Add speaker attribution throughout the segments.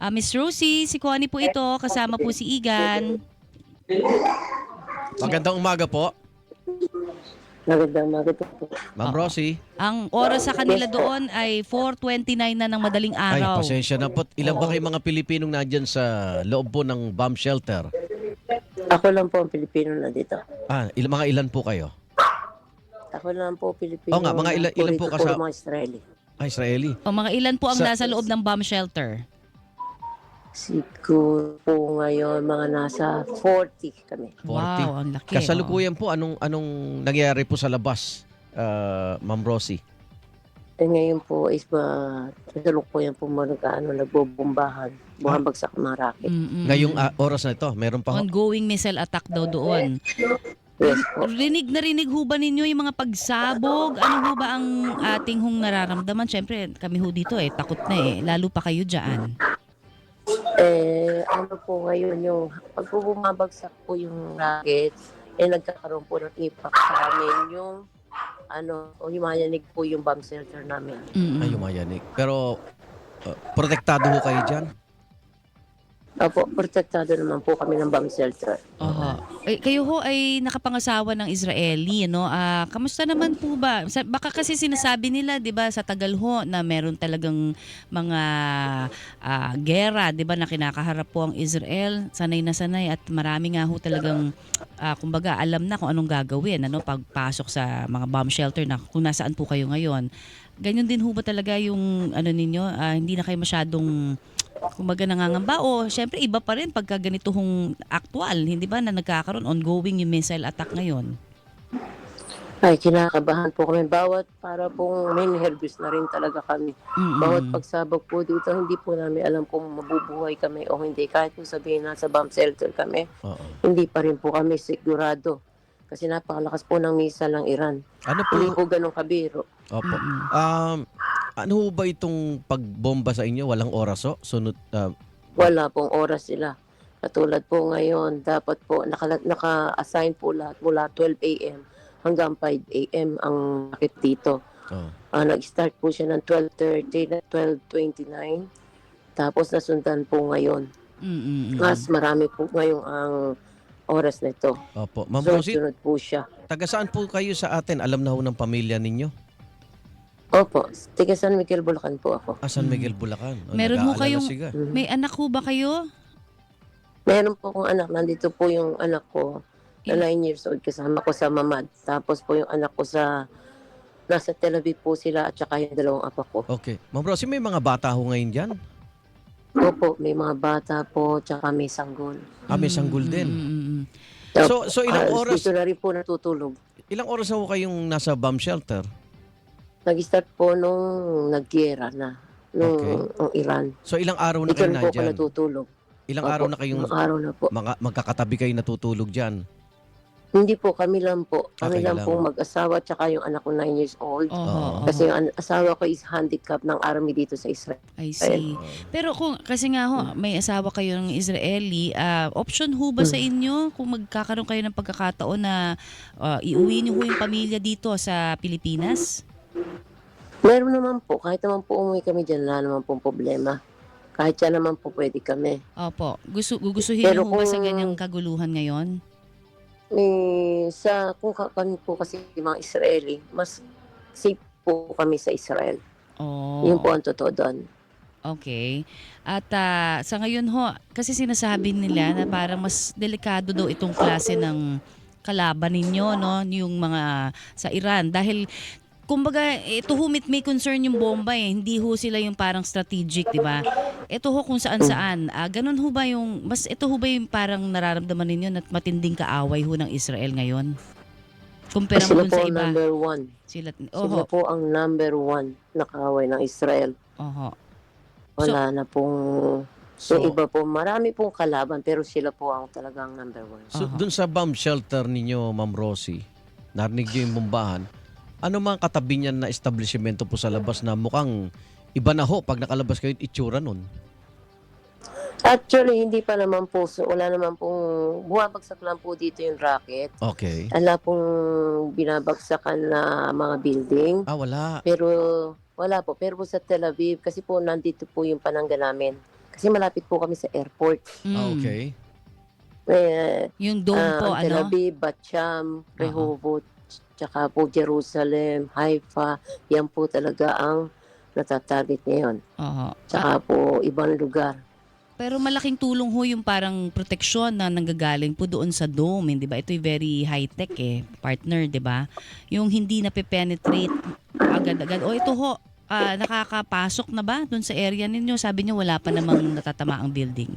Speaker 1: Miss Rosie, si Connie po ito, kasama po si Igan.
Speaker 2: Magandang umaga po,
Speaker 3: Magandang umaga po.
Speaker 2: Ma'am
Speaker 1: Oo.
Speaker 2: Rosie.
Speaker 1: Ang oras sa kanila
Speaker 3: Yes po.
Speaker 1: doon ay 4:29 na ng madaling
Speaker 2: Ay,
Speaker 1: araw.
Speaker 2: pasensya na po. Ilan ba
Speaker 1: Oo.
Speaker 2: kayo mga Pilipinong nandyan sa loob po ng bomb shelter?
Speaker 3: Ako lang po ang Pilipino na dito.
Speaker 2: Mga ilan po kayo?
Speaker 3: Ako lang po Pilipino.
Speaker 2: Oo nga, mga ilan po
Speaker 3: Puro
Speaker 2: kasama?
Speaker 3: mga Israeli.
Speaker 2: Israeli.
Speaker 1: O mga ilan po ang
Speaker 2: Sa-
Speaker 1: nasa loob ng bomb shelter?
Speaker 3: Siguro po ngayon mga nasa 40 kami.
Speaker 2: 40.
Speaker 1: Wow, ang laki.
Speaker 2: Kasalukuyan po, anong nangyayari po sa labas, Ma'am Rosie?
Speaker 3: Ngayon po is kasalukuyan po nagbobombahan. Bumabagsak mga rocket.
Speaker 2: Ngayong oras na ito, meron pa ho?
Speaker 1: Ongoing missile attack daw doon.
Speaker 3: Yes po.
Speaker 1: Rinig ho ba ninyo yung mga pagsabog? Ano ho ba ang ating nararamdaman? Siyempre, kami ho dito takot na lalo pa kayo dyan.
Speaker 3: Ano po ngayon yung pag po bumabagsak po yung rocket, nagkakaroon po ng impact sa amin yung humayanig po yung bomb shelter namin.
Speaker 2: Ay, umayanig. Pero, protektado ho kayo dyan?
Speaker 3: Opo, protektado naman po kami ng bomb shelter.
Speaker 1: Oho. Kayo ho ay nakapangasawa ng Israeli, no? Kamusta naman po ba? Baka kasi sinasabi nila, 'di ba, sa tagal ho na meron talagang mga gera, 'di ba, na kinakaharap po ang Israel. Sanay na sanay at marami nga ho talagang kumbaga alam na kung anong gagawin, pagpasok sa mga bomb shelter na kung nasaan po kayo ngayon. Ganyan din ho ba talaga yung ninyo? Hindi na kayo masyadong kumbaga nangangamba o syempre iba pa rin pagka ganito hong aktual, hindi ba, na nagkakaroon ongoing yung missile attack ngayon?
Speaker 3: Ay, kinakabahan po kami. Para pong may nervous na rin talaga kami. Bawat pagsabog po dito, hindi po namin alam kung mabubuhay kami o hindi. Kahit po sabihin nasa bomb shelter kami, hindi pa rin po kami sigurado. Kasi napakalakas po ng missile ng Iran.
Speaker 2: Ano po?
Speaker 3: Hindi po ganun kabiro.
Speaker 2: Opo. Ano ho ba itong pagbomba sa inyo? Walang oras o? Sunod,
Speaker 3: Wala pong oras sila. Katulad po ngayon, dapat po naka-assign po lahat mula 12 a.m. hanggang 5 a.m. ang rakit dito. Nag-start po siya ng 12:30 na 12:29. Tapos nasundan po ngayon. Mas marami po ngayong ang oras na ito.
Speaker 2: Opo. Ma'am Rosie,
Speaker 3: Sunod po siya.
Speaker 2: taga saan po kayo sa atin? Alam na ho ng pamilya ninyo?
Speaker 3: Opo, taga San Miguel, Bulacan po ako.
Speaker 2: San Miguel, Bulacan.
Speaker 1: Meron ho
Speaker 2: nag-aalala
Speaker 1: kayong,
Speaker 2: siga.
Speaker 1: may anak ho ba kayo?
Speaker 3: Meron po akong anak. Nandito po yung anak ko na 9 years old kasama ko sa Mamad. Tapos po yung anak ko nasa Tel Aviv po sila at saka yung dalawang apo ko.
Speaker 2: Okay. Ma'am Rosie, may mga bata ho ngayon dyan?
Speaker 3: Opo, may mga bata po tsaka may sanggol.
Speaker 2: May sanggol din. So ilang oras?
Speaker 3: Dito na rin po natutulog.
Speaker 2: Ilang oras na ho kayong nasa bomb shelter?
Speaker 3: Nag-start po nung nag-giyera na. Nung Iran.
Speaker 2: So ilang araw na
Speaker 3: Dito
Speaker 2: kayo
Speaker 3: na po ako
Speaker 2: nandyan?
Speaker 3: natutulog.
Speaker 2: Ilang
Speaker 3: Opo,
Speaker 2: araw na kayong
Speaker 3: ilang araw na po.
Speaker 2: magkakatabi kayo natutulog dyan?
Speaker 3: Hindi po, kami lang po. Kami
Speaker 2: kayo
Speaker 3: lang
Speaker 2: lang.
Speaker 3: po mag-asawa tsaka yung anak ko 9 years old.
Speaker 1: Oho,
Speaker 3: Kasi yung asawa ko is handicapped ng army dito sa Israel.
Speaker 1: I see. Pero kasi nga ho, may asawa kayo ng Israeli, option ho ba sa inyo kung magkakaroon kayo ng pagkakataon na iuwi niyo ho yung pamilya dito sa Pilipinas?
Speaker 3: Meron naman po. Kahit naman po umuwi kami dyan, wala naman pong problema. Kahit yan naman po pwede kami.
Speaker 1: Opo. Gustuhin
Speaker 3: Pero
Speaker 1: niyo ho ba sa
Speaker 3: kung-
Speaker 1: ganyang kaguluhan ngayon?
Speaker 3: Kung kami po kasi mga Israeli, mas safe po kami sa Israel.
Speaker 1: Oh.
Speaker 3: Yun po ang totoo doon.
Speaker 1: Okay. At sa ngayon ho, kasi sinasabi nila na parang mas delikado daw itong klase ng kalaban ninyo, no? Yung mga sa Iran. Dahil, kumbaga, ito ho may concern yung bomba Hindi ho sila yung parang strategic, di ba? Ito ho kung saan-saan. Ganun ho ba ito ho ba yung parang nararamdaman ninyo na matinding kaaway ho ng Israel ngayon? Kumpara mo
Speaker 3: Sila
Speaker 1: dun
Speaker 3: po
Speaker 1: sa
Speaker 3: ang
Speaker 1: iba.
Speaker 3: number one.
Speaker 1: Sila
Speaker 3: Sila po ang number one na kaaway ng Israel.
Speaker 1: Oho.
Speaker 3: Wala na pong...
Speaker 2: So,
Speaker 3: yung iba po, marami pong kalaban, pero sila po ang talagang number one.
Speaker 2: dun sa bomb shelter ninyo, Ma'am Rosie, narinig niyo yung bombahan, ano mga katabi niyan na establishmento po sa labas na mukhang iba na ho pag nakalabas kayo itsura nun?
Speaker 3: Actually, hindi pa naman po. So, wala naman pong... Bumabagsak lang po dito yung rocket.
Speaker 2: Okay.
Speaker 3: Wala pong binabagsakan na mga building.
Speaker 2: Wala.
Speaker 3: Pero wala po. Pero po sa Tel Aviv, kasi po nandito po yung panangga namin. Kasi malapit po kami sa airport.
Speaker 2: Okay.
Speaker 1: Yung dome po,
Speaker 3: Ang Tel
Speaker 1: ano?
Speaker 3: Aviv, Bat-Sham, Rehoboth, tsaka po Jerusalem, Haifa, yan po talaga ang natatarget ngayon.
Speaker 1: Oo.
Speaker 3: Tsaka po ibang lugar.
Speaker 1: Pero malaking tulong ho yung parang proteksyon na nanggagaling po doon sa dome, hindi ba? Ito'y very high-tech partner, di ba? Yung hindi na penetrate agad-agad. O ito ho, nakakapasok na ba doon sa area ninyo? Sabi niyo wala pa namang natatama ang building.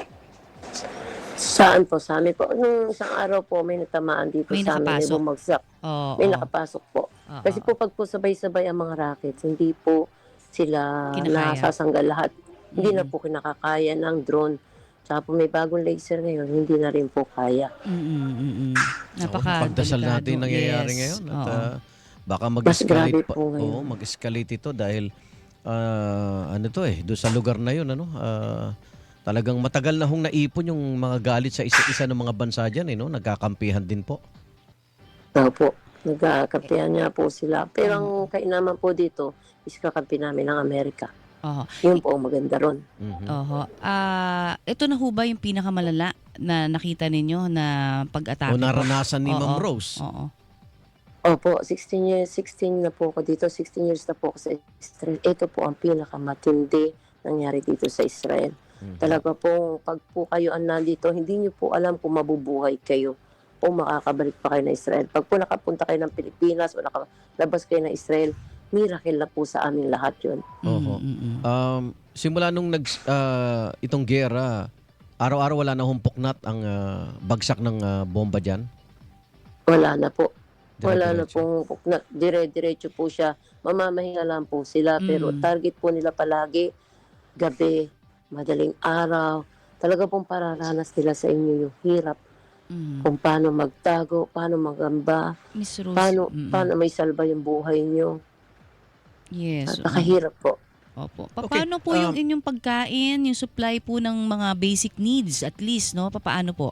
Speaker 3: Saan po? Sa amin po. Nung isang araw po, may natamaan dito
Speaker 1: May
Speaker 3: sa amin. May
Speaker 1: nakapasok.
Speaker 3: bumagsak.
Speaker 1: Oo.
Speaker 3: May nakapasok po.
Speaker 1: Oo.
Speaker 3: Kasi po pag po sabay-sabay ang mga rockets, hindi po sila
Speaker 1: Kinakaya.
Speaker 3: nasasanggal lahat. Hindi na po kinakakaya ng drone. Tsaka po may bagong laser ngayon, hindi na rin po kaya.
Speaker 1: Napaka
Speaker 2: Pagdasal natin
Speaker 1: delikado.
Speaker 2: nangyayari
Speaker 1: Yes.
Speaker 2: ngayon. At
Speaker 1: Oo.
Speaker 2: baka
Speaker 3: Mas grabe
Speaker 2: mag-escalate pa.
Speaker 3: po ngayon.
Speaker 2: Oo, mag-escalate ito dahil ano to doon sa lugar na yun, talagang matagal na hong naipon yung mga galit sa isa ng mga bansa diyan, no? Nagkakampihan din po.
Speaker 3: Opo, nagkakampihan niya po sila. Pero ang kainaman po dito is kakampi namin ng Amerika.
Speaker 1: Oo.
Speaker 3: Yun po ang maganda ron.
Speaker 2: Mhm.
Speaker 1: Oho. Ito na ho ba yung pinakamalala na nakita ninyo na pag-atake
Speaker 2: O naranasan ni
Speaker 1: Oo.
Speaker 2: Ma'am Rose.
Speaker 1: Oo.
Speaker 3: Opo, 16 na po ako dito. 16 years na po ako sa Israel. Ito po ang pinakamatindi nangyari dito sa Israel.
Speaker 2: Mhm.
Speaker 3: Talaga po, pag po kayo ang nandito, hindi niyo po alam kung mabubuhay kayo o makakabalik pa kayo na Israel. Pag po nakapunta kayo ng Pilipinas o nakalabas kayo ng Israel, miracle na po sa amin lahat yun.
Speaker 2: Oho. Simula nung itong gera, araw-araw wala na humpoknat ang bagsak ng bomba diyan.
Speaker 3: Wala na po. Wala na
Speaker 2: Dire-diretso.
Speaker 3: pong dire-diretso po siya. Mamamahinga lang po sila. Pero target po nila palagi, gabi, madaling araw. Talaga pong pararanas nila sa inyo yung hirap. Kung paano magtago, paano magamba,
Speaker 1: Miss Rose.
Speaker 3: paano may salba yung buhay nyo.
Speaker 1: Yes.
Speaker 3: Napakahirap po.
Speaker 1: Opo.
Speaker 2: Okay,
Speaker 1: Paano po yung inyong pagkain, yung supply po ng mga basic needs at least, no? Paano po?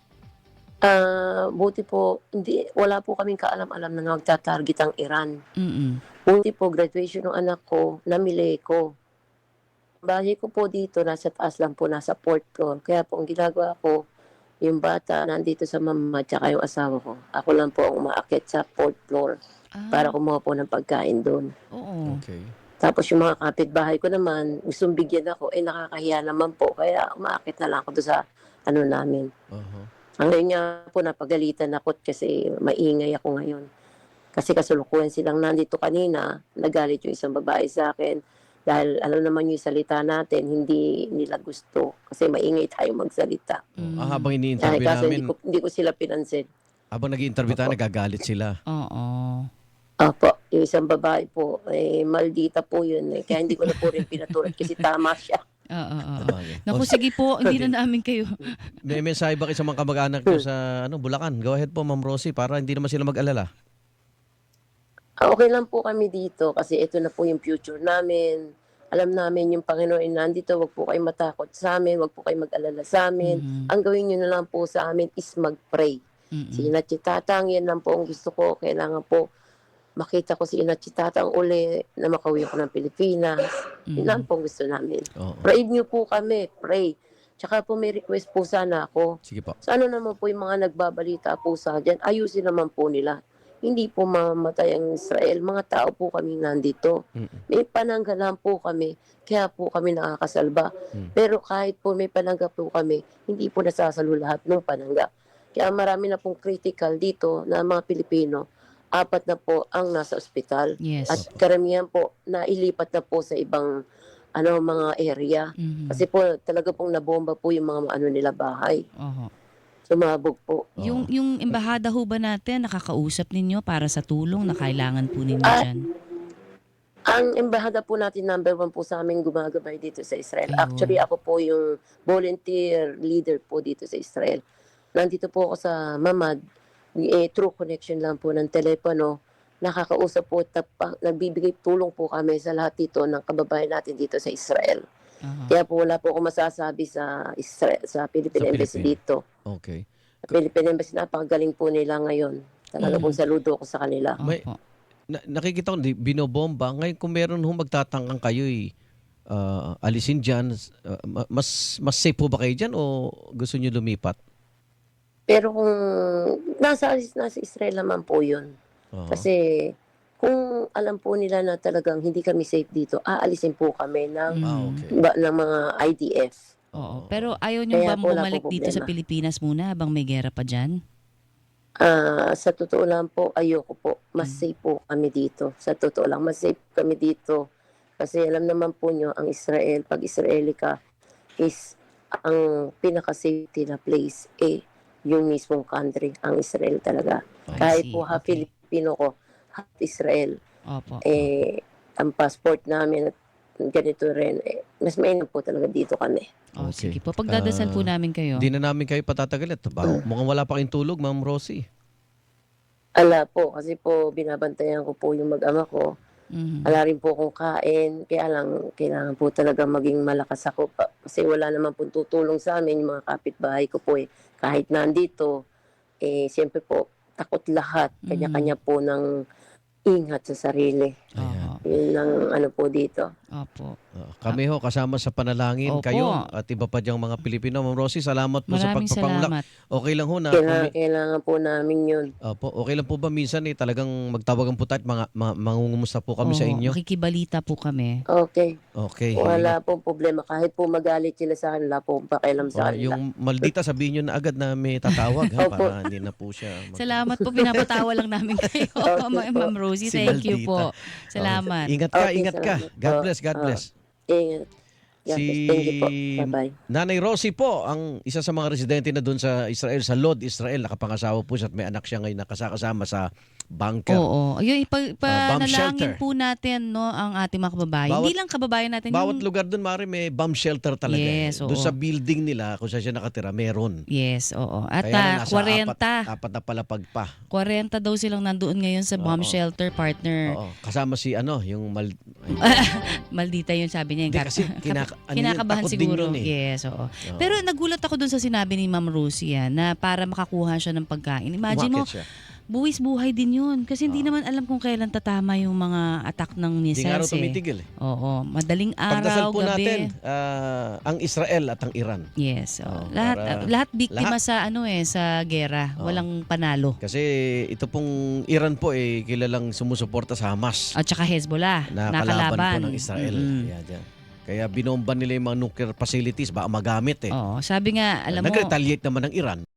Speaker 3: Buti po, wala po kaming kaalam-alam na magta-target ang Iran.
Speaker 1: Mm-mm.
Speaker 3: Buti po, graduation ng anak ko, namili ko. Bahay ko po dito, nasa taas lang po, nasa fourth floor. Kaya po, ang ginagawa ko, yung bata nandito sa mama tsaka yung asawa ko. Ako lang po ang umaakit sa fourth floor para kumuha po ng pagkain doon.
Speaker 1: Oo.
Speaker 2: Okay.
Speaker 3: Tapos yung mga kapitbahay ko naman, gustong bigyan ako, nakakahiya naman po. Kaya umaakit na lang ako doon sa namin.
Speaker 2: Oho.
Speaker 3: Ngayon nga po, napagalitan ako kasi maingay ako ngayon. Kasi kasulukuhan silang nandito kanina, nagalit yung isang babae sa akin. Dahil alam naman yung salita natin, hindi nila gusto. Kasi maingay tayo magsalita.
Speaker 2: Habang
Speaker 3: Dahil
Speaker 2: ini-interview
Speaker 3: kaso
Speaker 2: namin,
Speaker 3: hindi ko sila pinansin.
Speaker 2: habang nag-i-interview tayo, nagagalit sila.
Speaker 1: Oo.
Speaker 3: Opo, yung isang babae po, maldita po yun. Kaya hindi ko na po rin pinatulad kasi tama siya.
Speaker 1: Oo.
Speaker 2: Sabagay.
Speaker 1: Naku, sige po, hindi na namin kayo.
Speaker 2: May mensahe ba kayo sa mga kamag-anak nyo sa Bulacan? Go ahead po, Ma'am Rosie, para hindi naman sila mag-alala.
Speaker 3: Okay lang po kami dito kasi ito na po yung future namin. Alam namin yung Panginoon ay nandito, wag po kayo matakot sa amin, wag po kayo mag-alala sa amin. Ang gawin nyo na lang po sa amin is mag-pray. Si Inachi Tatang, yan lang po ang gusto ko. Kailangan po makita ko si Inachi Tatang uli na makauwi ako ng Pilipinas. Yun lang po ang gusto namin.
Speaker 2: Oo.
Speaker 3: Pray nyo po kami, pray. Tsaka po may request po sana ako.
Speaker 2: Sige po.
Speaker 3: Sa ano naman po yung mga nagbabalita po sa dyan, ayusin naman po nila. Hindi po mamatay ang Israel. Mga tao po kami nandito. May pananggalan po kami. Kaya po kami nakakasalba. Pero kahit po may panangga po kami, hindi po nasasalo lahat ng panangga. Kaya marami na pong critical dito na mga Pilipino. 4 na po ang nasa ospital.
Speaker 1: Yes.
Speaker 3: At karamihan po nailipat na po sa ibang mga area. Kasi po talaga pong nabomba po yung mga nila bahay.
Speaker 1: Oho.
Speaker 3: Sumabog po.
Speaker 1: Yung embahada ho ba natin, nakakausap ninyo para sa tulong na kailangan po ninyo dyan?
Speaker 3: Ang embahada po natin, number 1 po sa amin gumagabay dito sa Israel.
Speaker 1: Ayun.
Speaker 3: Actually, ako po yung volunteer leader po dito sa Israel. Nandito po ako sa Mamad. Through connection lang po ng telepono. Nakakausap po at nagbibigay tulong po kami sa lahat dito ng kababayan natin dito sa Israel. Kaya po wala po ako masasabi sa Israel, sa Philippine
Speaker 2: Sa
Speaker 3: Embassy
Speaker 2: Philippine.
Speaker 3: dito.
Speaker 2: Okay.
Speaker 3: Sa Philippine Embassy, napakagaling po nila ngayon. Talaga pong saludo ko sa kanila.
Speaker 2: May-
Speaker 1: Opo.
Speaker 2: Nakikita ko, binobomba. Ngayon kung meron magtatangkang kayo, alisin dyan, mas safe po ba kayo dyan o gusto nyo lumipat?
Speaker 3: Pero kung nasa Israel naman po yun.
Speaker 2: Oo.
Speaker 3: Kasi kung alam po nila na talagang hindi kami safe dito, aalisin po kami ng,
Speaker 2: Okay.
Speaker 3: ng mga IDF.
Speaker 1: Oo. Pero ayaw nyo
Speaker 3: Kaya
Speaker 1: ba
Speaker 3: po wala
Speaker 1: bumalik
Speaker 3: po
Speaker 1: dito sa
Speaker 3: problema.
Speaker 1: Pilipinas muna habang may gera pa dyan?
Speaker 3: Sa totoo lang po, ayoko po. Mas safe po kami dito. Sa totoo lang, mas safe kami dito. Kasi alam naman po nyo, ang Israel, pag Israeli ka, is ang pinaka-safety na place, yung mismong country, ang Israel talaga.
Speaker 1: I
Speaker 3: Kahit
Speaker 1: see.
Speaker 3: po half
Speaker 1: Okay.
Speaker 3: Filipino ko, half Israel,
Speaker 1: Opo.
Speaker 3: ang passport namin at ganito rin, mas mainam po talaga dito kami.
Speaker 1: Oh,
Speaker 2: Okay.
Speaker 1: sige po. Pagdadasal po namin kayo.
Speaker 2: Hindi na namin kayo patatagal. Mukhang wala pa kayong tulog, Ma'am Rosie.
Speaker 3: Ala po, kasi po binabantayan ko po yung mag-ama ko.
Speaker 1: Mhm.
Speaker 3: Wala rin po akong kain, kaya lang kailangan po talaga maging malakas ako kasi wala naman po tutulong sa amin yung mga kapitbahay ko po Kahit nandito, siyempre po takot lahat, kanya-kanya po ng ingat sa sarili.
Speaker 2: Ayan.
Speaker 1: Oo.
Speaker 3: Yun ang ano po dito.
Speaker 1: Opo.
Speaker 2: Kami ho, kasama sa panalangin
Speaker 1: Opo.
Speaker 2: kayo at iba pa diyang mga Pilipino. Ma'am Rosie, salamat po sa
Speaker 1: Maraming
Speaker 2: pagpapanglak.
Speaker 1: salamat.
Speaker 2: Okay lang ho na
Speaker 3: Kailangan po namin yun.
Speaker 2: Opo, okay lang po ba minsan talagang magtawagan po tayo at mangungumusta po kami sa
Speaker 1: Oo,
Speaker 2: inyo?
Speaker 1: makikibalita po kami.
Speaker 3: Okay.
Speaker 2: Okay.
Speaker 3: Wala pong problema. Kahit po magalit sila sa akin, wala pong pakialam sa kanila.
Speaker 2: Yung maldita sabihin nyo na agad na may tatawag ha,
Speaker 3: Opo.
Speaker 2: para hindi na po siya.
Speaker 1: Salamat po. Pinapatawa lang namin kayo,
Speaker 3: Okay po.
Speaker 1: Ma'am Rosie.
Speaker 2: Si
Speaker 1: Thank you
Speaker 2: Maldita.
Speaker 1: po. Salamat.
Speaker 2: Ingat ka,
Speaker 3: Okay,
Speaker 2: ingat ka.
Speaker 3: salamat.
Speaker 2: God bless, God bless.
Speaker 3: Ingat. Yes, thank you po. Bye-bye.
Speaker 2: Nanay Rosie po, ang isa sa mga residente na doon sa Israel, sa Lod, Israel. Nakapangasawa po siya at may anak siya ngayon nakasama sa bunker.
Speaker 1: Oo. Ayun,
Speaker 2: bomb
Speaker 1: ipanalangin
Speaker 2: shelter.
Speaker 1: po natin no, ang ating mga kababayan.
Speaker 2: Bawat-
Speaker 1: Hindi lang kababayan natin.
Speaker 2: Bawat
Speaker 1: yung,
Speaker 2: lugar doon, Mari, may bomb shelter talaga.
Speaker 1: Yes,
Speaker 2: Doon
Speaker 1: oo.
Speaker 2: sa building nila, kung saan siya nakatira, meron.
Speaker 1: yes, oo. At
Speaker 2: Kaya na nasa
Speaker 1: 40.
Speaker 2: apat na palapag pa.
Speaker 1: 40 daw silang nandoon ngayon sa bomb
Speaker 2: Oo.
Speaker 1: shelter, partner.
Speaker 2: Oo. Kasama si yung
Speaker 1: Maldita yun, sabi niya.
Speaker 2: Hindi kasi
Speaker 1: Kinakabahan
Speaker 2: takot din
Speaker 1: siguro.
Speaker 2: yun eh.
Speaker 1: Yes, oo.
Speaker 2: Oo.
Speaker 1: Pero nagulat ako dun sa sinabi ni Ma'am Rosie na para makakuha siya ng pagkain. Imagine mo,
Speaker 2: Umakyat siya.
Speaker 1: buwis buhay din yun. Kasi hindi naman alam kung kailan tatama yung mga attack ng
Speaker 2: Hindi nga raw
Speaker 1: missiles
Speaker 2: tumitigil eh.
Speaker 1: Oo, madaling
Speaker 2: Pagdasal
Speaker 1: araw,
Speaker 2: po
Speaker 1: gabi.
Speaker 2: natin ang Israel at ang Iran.
Speaker 1: Yes,
Speaker 2: Oo,
Speaker 1: lahat biktima
Speaker 2: lahat.
Speaker 1: sa gera,
Speaker 2: Oo.
Speaker 1: walang panalo.
Speaker 2: Kasi ito pong Iran po kilalang sumusuporta sa Hamas
Speaker 1: At saka Hezbollah,
Speaker 2: na kalaban
Speaker 1: nakalaban.
Speaker 2: po ng Israel.
Speaker 1: Mm-mm.
Speaker 2: Kaya binomba nila yung mga nuclear facilities baka magamit eh.
Speaker 1: Oo, sabi nga, alam mo,
Speaker 2: Nag-retaliate naman ng Iran.